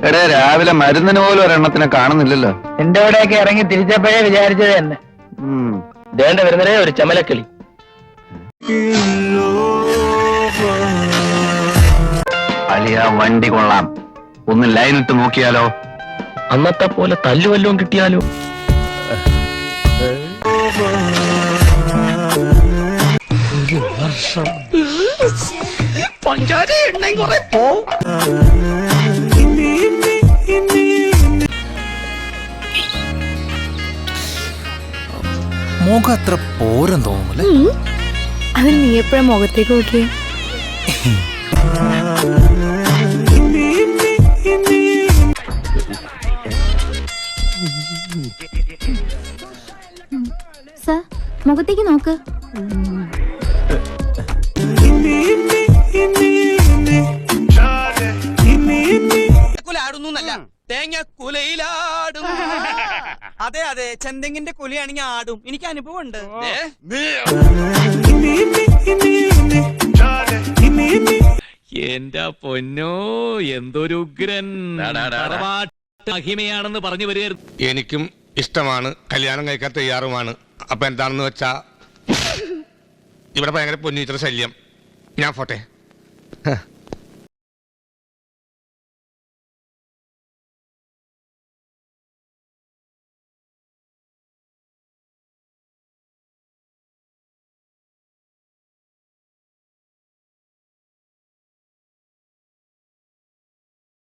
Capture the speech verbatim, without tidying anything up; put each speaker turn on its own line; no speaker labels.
എടേ രാവിലെ മരുന്നിന് പോലും ഒരെണ്ണത്തിനെ കാണുന്നില്ലല്ലോ.
എന്റെ അവിടെയൊക്കെ ഇറങ്ങി തിരിച്ചപ്പോഴേ വിചാരിച്ചത് തന്നെ.
ദേണ്ട വരുന്നതേ ഒരു ചമലക്കിളി.
അലിയ വണ്ടി കൊള്ളാം, ഒന്ന് ലൈനിട്ട് നോക്കിയാലോ?
അന്നത്തെ പോലെ തല്ലുവല്ലോം കിട്ടിയാലോ? പഞ്ചാര എണ്ണ കുറെ പോ.
മുഖം അത്ര പോരം തോന്നുമല്ലേ?
അത് നീ എപ്പോഴും മുഖത്തേക്ക് നോക്കിയേ.
സർ, മുഖത്തേക്ക് നോക്ക്.
തേങ്ങ കുലയിലാടും. അതെ അതെ, ചെന്തെങ്ങിന്റെ കുലയാണെങ്കിൽ ആടും. എനിക്ക് അനുഭവം ഉണ്ട്.
എന്റെ പൊന്നോ, എന്തൊരു ഉഗ്രൻ മഹിമയാണെന്ന് പറഞ്ഞു വരികയായിരുന്നു.
എനിക്കും ഇഷ്ടമാണ്, കല്യാണം കഴിക്കാൻ തയ്യാറുമാണ്. അപ്പൊ എന്താണെന്ന് വെച്ചാ ഇവിടെ ഭയങ്കര പൊന്നീച്ചറ ശല്യം. ഞാൻ പോട്ടെ.